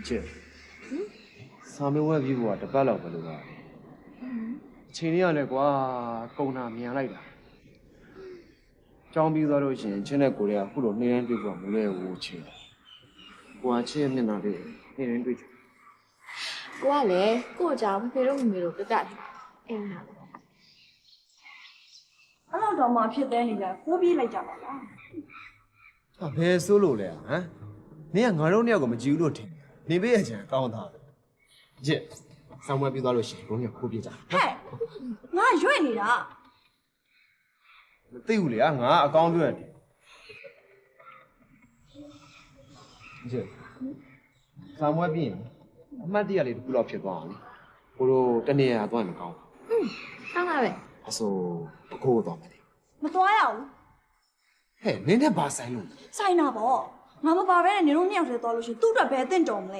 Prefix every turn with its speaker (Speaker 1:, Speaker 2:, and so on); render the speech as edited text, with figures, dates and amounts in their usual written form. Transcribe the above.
Speaker 1: ချစ်စာမေးပွဲပြီးဖို့ကတစ်ပတ်လောက်ပဲလို့ပါအချိန်လေးရလဲကွာကုန်တာမြန်လိုက်တာကြောင်းပြီးသွားလို့ရှိရင်ချင်းတဲ့ကိုတွေကအခုလိုနေတိုင်းတွေ့ဖို့မလဲဘူးချင်းကိုကချင်းရဲ့မျက်နှာလေးနေတိုင်းတွေ့ချင်
Speaker 2: ကိုကလည်းကို့အကြောင်းဖေတို့မမေတို့ပြတ်တယ်အင်းဟာ
Speaker 3: အဲ့တော့တော့မှဖြစ်တဲ့နေကြကိုးပြေးလိုက်ကြပါလား
Speaker 1: ဟာဘယ်ဆိုးလို့လဲဟမ်နင်ကငါတို့နှစ်ယောက်ကိုမကြည့်ဘူးလို့ထင်တယ်နေပေးရချင်ကောင်းတာပဲချစ်ဆောင်းပွဲပြီးသွားလို့ရှိရင်ဘုံကခိုးပြေးကြ
Speaker 3: ဟဲ့ငါရွေ့နေတာ
Speaker 1: မသိဘူးလေငါအကောင်းပြောရတယ်ချစ်ဆောင်းပွဲပြီးရင်အမှတ်တရလေးတစ်ခုလောက်ဖြစ်သွားအောင်လေကိုတို့တနေ့ရသွားရင်မကောင်း
Speaker 2: ကောင်းပါပဲ
Speaker 1: အဆိုပကိုးသွားမယ်လေ
Speaker 3: မသွားရဘူး
Speaker 1: ဟဲ့နင်းနဲ့ဘာဆိုင်လို့
Speaker 3: ဆိုင်တာပေါ့ငါမပါဘဲနဲ့နေတို့နှစ်ယောက်တည်းသွားလို့ရှိရင်သူ့အတွက်ဘယ်အသင့်တော်မလဲ